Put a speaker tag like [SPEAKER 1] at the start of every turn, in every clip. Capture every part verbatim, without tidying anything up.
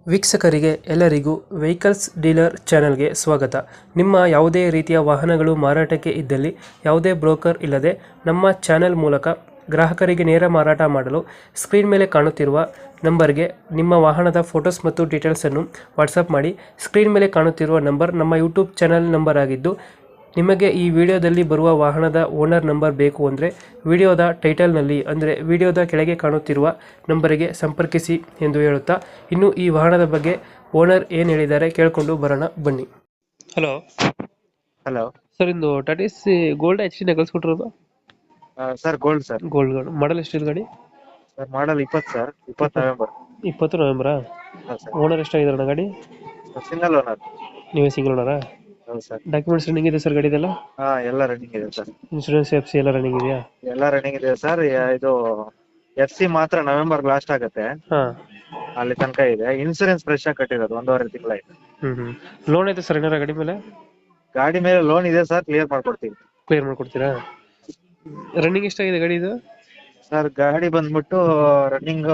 [SPEAKER 1] ವೀಕ್ಷಕರಿಗೆ ಎಲ್ಲರಿಗೂ vehicles dealer ಚಾನೆಲ್ಗೆ ಸ್ವಾಗತ. ನಿಮ್ಮ ಯಾವುದೇ ರೀತಿಯ ವಾಹನಗಳು ಮಾರಾಟಕ್ಕೆ ಇದ್ದಲ್ಲಿ ಯಾವುದೇ ಬ್ರೋಕರ್ ಇಲ್ಲದೆ ನಮ್ಮ ಚಾನೆಲ್ ಮೂಲಕ ಗ್ರಾಹಕರಿಗೆ ನೇರ ಮಾರಾಟ ಮಾಡಲು ಸ್ಕ್ರೀನ್ ಮೇಲೆ ಕಾಣುತ್ತಿರುವ ನಂಬರ್ಗೆ ನಿಮ್ಮ ವಾಹನದ ಫೋಟೋಸ್ ಮತ್ತು ಡೀಟೇಲ್ಸನ್ನು ವಾಟ್ಸಪ್ ಮಾಡಿ. ಸ್ಕ್ರೀನ್ ಮೇಲೆ ಕಾಣುತ್ತಿರುವ ನಂಬರ್ ನಮ್ಮ ಯೂಟ್ಯೂಬ್ ಚಾನೆಲ್ ನಂಬರ್ ಆಗಿದ್ದು, ನಿಮಗೆ ಈ ವಿಡಿಯೋದಲ್ಲಿ ಬರುವ ವಾಹನದ ಓನರ್ ನಂಬರ್ ಬೇಕು ಅಂದರೆ ವಿಡಿಯೋದ ಟೈಟಲ್ನಲ್ಲಿ ಅಂದರೆ ವಿಡಿಯೋದ ಕೆಳಗೆ ಕಾಣುತ್ತಿರುವ ನಂಬರಿಗೆ ಸಂಪರ್ಕಿಸಿ ಎಂದು ಹೇಳುತ್ತಾ, ಇನ್ನು ಈ ವಾಹನದ ಬಗ್ಗೆ ಓನರ್ ಏನು ಹೇಳಿದ್ದಾರೆ ಕೇಳಿಕೊಂಡು ಬರೋಣ ಬನ್ನಿ. ಹಲೋ
[SPEAKER 2] ಹಲೋ
[SPEAKER 1] ಸರ್, ಇಂದು Tata C gold H D ಕಳಿಸ್ಕೊಟ್ಟಿರೋದು.
[SPEAKER 2] ಸರ್ ಗೋಲ್ಡ್ ಸರ್
[SPEAKER 1] ಗೋಲ್ಡ್ ಗಾಡಿ ಮಾಡಲ್ ಎಷ್ಟು ಗಾಡಿ?
[SPEAKER 2] ಸರ್ ಮಾಡಲ್ ಇಪ್ಪತ್ತು ಸರ್ ಇಪ್ಪತ್ತು ನವೆಂಬರ್.
[SPEAKER 1] ಇಪ್ಪತ್ತು ನವೆಂಬರಾ?
[SPEAKER 2] ಸರ್
[SPEAKER 1] ಓನರ್ ಎಷ್ಟಾಗಿದ್ದಾರೆ ಗಾಡಿ?
[SPEAKER 2] Single owner.
[SPEAKER 1] ನೀವೇ ಸಿಂಗಲ್ ಓನರಾ?
[SPEAKER 2] ಹೌದು ಸರ್.
[SPEAKER 1] ಡಾಕ್ಯುಮೆಂಟ್ಸ್ ರನ್ನಿಂಗ್ ಇದೆ ಸರ್ ಗಾಡಿದೆಲ್ಲ?
[SPEAKER 2] ಹಾ ಎಲ್ಲ ರನ್ನಿಂಗ್ ಇದೆ ಸರ್.
[SPEAKER 1] ಇನ್ಶೂರೆನ್ಸ್ ಎಫ್ ಸಿ ಎಲ್ಲ ರನ್ನಿಂಗ್ ಇದೆಯಾ?
[SPEAKER 2] ಎಲ್ಲ ರನ್ನಿಂಗ್ ಇದೆ ಸರ್. ಇದು ಎಫ್ ಸಿ ಮಾತ್ರ ನವೆಂಬರ್ ಲಾಸ್ಟ್ ಆಗುತ್ತೆ,
[SPEAKER 1] ಹಾಂ.
[SPEAKER 2] ಅಲ್ಲಿ ತನಕ ಇದೆ. ಇನ್ಸೂರೆನ್ಸ್ ಫ್ರೆಶ್ ಆಗಿ ಕಟ್ಟಿರೋದು ಒಂದೂವರೆ ತಿಂಗಳಾಯ್ತು.
[SPEAKER 1] ಹ್ಞೂ ಹ್ಞೂ ಲೋನ್ ಐತೆ ಸರ್ ಏನಾರ ಗಾಡಿ ಮೇಲೆ?
[SPEAKER 2] ಗಾಡಿ ಮೇಲೆ ಲೋನ್ ಇದೆ ಸರ್, ಕ್ಲಿಯರ್ ಮಾಡ್ಕೊಡ್ತೀವಿ.
[SPEAKER 1] ಕ್ಲಿಯರ್ ಮಾಡ್ಕೊಡ್ತೀರಾ? ರನ್ನಿಂಗ್ ಎಷ್ಟಾಗಿದೆ ಗಾಡಿ ಇದು?
[SPEAKER 2] ಸರ್ ಗಾಡಿ ಬಂದ್ಬಿಟ್ಟು ರನ್ನಿಂಗ್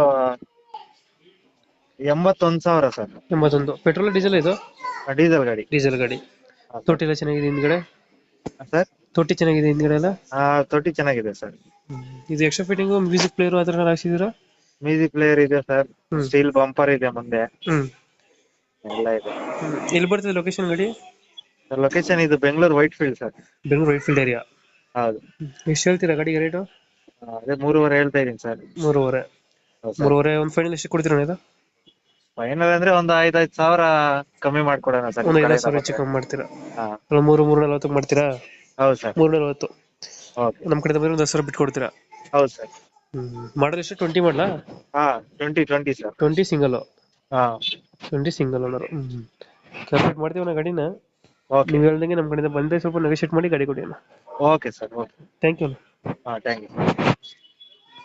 [SPEAKER 2] ಎಂಬತ್ತೊಂದು ಸಾವಿರ ಸರ್.
[SPEAKER 1] ಎಂಬತ್ತೊಂದು. ಪೆಟ್ರೋಲ್ ಡೀಸೆಲ್ ಇದು?
[SPEAKER 2] ಡೀಸೆಲ್ ಗಾಡಿ.
[SPEAKER 1] ಡೀಸೆಲ್ ಗಾಡಿ.
[SPEAKER 2] ಹಾ, ಸರ್.
[SPEAKER 1] ತೊಟ್ಟಿ ಎಲ್ಲ ಚೆನ್ನಾಗಿದೆ ಹಿಂದ್ಗಡೆ?
[SPEAKER 2] ಸರ್
[SPEAKER 1] ತೊಟ್ಟಿ ಚೆನ್ನಾಗಿದೆ ಹಿಂದ್ಗಡೆ ಎಲ್ಲ?
[SPEAKER 2] ಆ, ತೊಟ್ಟಿ ಚೆನ್ನಾಗಿದೆ ಸರ್.
[SPEAKER 1] ಇದು ಎಕ್ಸ್ಟ್ರಾ ಫಿಟ್ಟಿಂಗು ಮ್ಯೂಸಿಕ್ ಪ್ಲೇಯರ್ ಆ ಥರ ಹಾಕ್ಸಿದ್ದೀರಾ?
[SPEAKER 2] ಮ್ಯೂಸಿಕ್ ಪ್ಲೇಯರ್ ಇದೆ ಸರ್,
[SPEAKER 1] ಹ್ಮ್.
[SPEAKER 2] ಸ್ಟೀಲ್ ಬಂಪರ್ ಇದೆ ಮುಂದೆ,
[SPEAKER 1] ಹ್ಞೂ.
[SPEAKER 2] ಎಲ್ಲ ಇದೆ.
[SPEAKER 1] ಎಲ್ಲಿ ಬರ್ತದೆ ಲೊಕೇಶನ್ ಗಾಡಿ?
[SPEAKER 2] ಲೊಕೇಶನ್ ಇದು Bengaluru Whitefield sir.
[SPEAKER 1] Bengaluru Whitefield area.
[SPEAKER 2] ಹೌದು.
[SPEAKER 1] ಎಷ್ಟು ಹೇಳ್ತೀರಾ ಗಾಡಿಗೆ ರೇಟು?
[SPEAKER 2] ಆ, ಅದೇ ಮೂರುವರೆ ಹೇಳ್ತಾ ಇದೀನಿ ಸರ್.
[SPEAKER 1] ಮೂರುವರೆ.
[SPEAKER 2] ಹೌದು ಸರ್.
[SPEAKER 1] ಮೂರುವರೆ ಒಂದು ಫೈನಲ್ ಎಷ್ಟು ಕೊಡ್ತೀರಾ ಇದು?
[SPEAKER 2] ಫೈನಲ್ ಅಂದ್ರೆ ಒಂದು ಐದ್ ಐದ್ ಸಾವಿರ ಕಮ್ಮಿ ಮಾಡ್ಕೊಡೋಣ ಸರ್.
[SPEAKER 1] ಒಂದು
[SPEAKER 2] ನಿಮ್
[SPEAKER 1] ಐದು
[SPEAKER 2] ಕಡೆಯಿಂದ
[SPEAKER 1] ಸಾವಿರ ಹೆಚ್ಚು
[SPEAKER 2] ಬಂದ್ರೆ.
[SPEAKER 1] ಕಮ್ಮಿ ಮಾಡ್ತೀರಾ?
[SPEAKER 2] ಹಾ,
[SPEAKER 1] ಅಲ್ಲ, ಮೂರು ಮೂರು ನಲ್ವತ್ತು ಮಾಡ್ತೀರಾ?
[SPEAKER 2] ಹೌದು ಸರ್.
[SPEAKER 1] ಮೂರು ನಲ್ವತ್ತು.
[SPEAKER 2] ಓಕೆ.
[SPEAKER 1] ನಮ್ಮ ಕಡೆ ಬಂದ್ರೆ ಒಂದು ಹತ್ತು ಸಾವಿರ ಬಿಟ್ಟು ಕೊಡ್ತೀರಾ?
[SPEAKER 2] ಹೌದು ಸರ್.
[SPEAKER 1] ಹ್ಞೂ. ಮಾಡಲ್ ಎಷ್ಟು? ಟ್ವೆಂಟಿ ಮಾಡಲಾ?
[SPEAKER 2] ಹಾ, twenty twenty sir.
[SPEAKER 1] Twenty single?
[SPEAKER 2] ಹಾ,
[SPEAKER 1] ಟ್ವೆಂಟಿ ಸಿಂಗಲ್ ಓನರ್. ಹ್ಞೂ. ಕಂಪ್ಲೀಟ್ ಮಾಡ್ತೀವಿ ನಾ ಗಾಡಿನ.
[SPEAKER 2] ಓಕೆ.
[SPEAKER 1] ನೀವು ಹೇಳ್ದಂಗೆ ನಮ್ಮ ಕಡೆಯಿಂದ ಬಂದರೆ ಸ್ವಲ್ಪ ನೆಗೋಷಿಯೇಟ್ ಮಾಡಿ ಗಾಡಿ ಕೊಡಿ ಅಣ್ಣ.
[SPEAKER 2] Okay sir. Okay.
[SPEAKER 1] Thank you.
[SPEAKER 2] ಹಾ, ಥ್ಯಾಂಕ್ ಯು.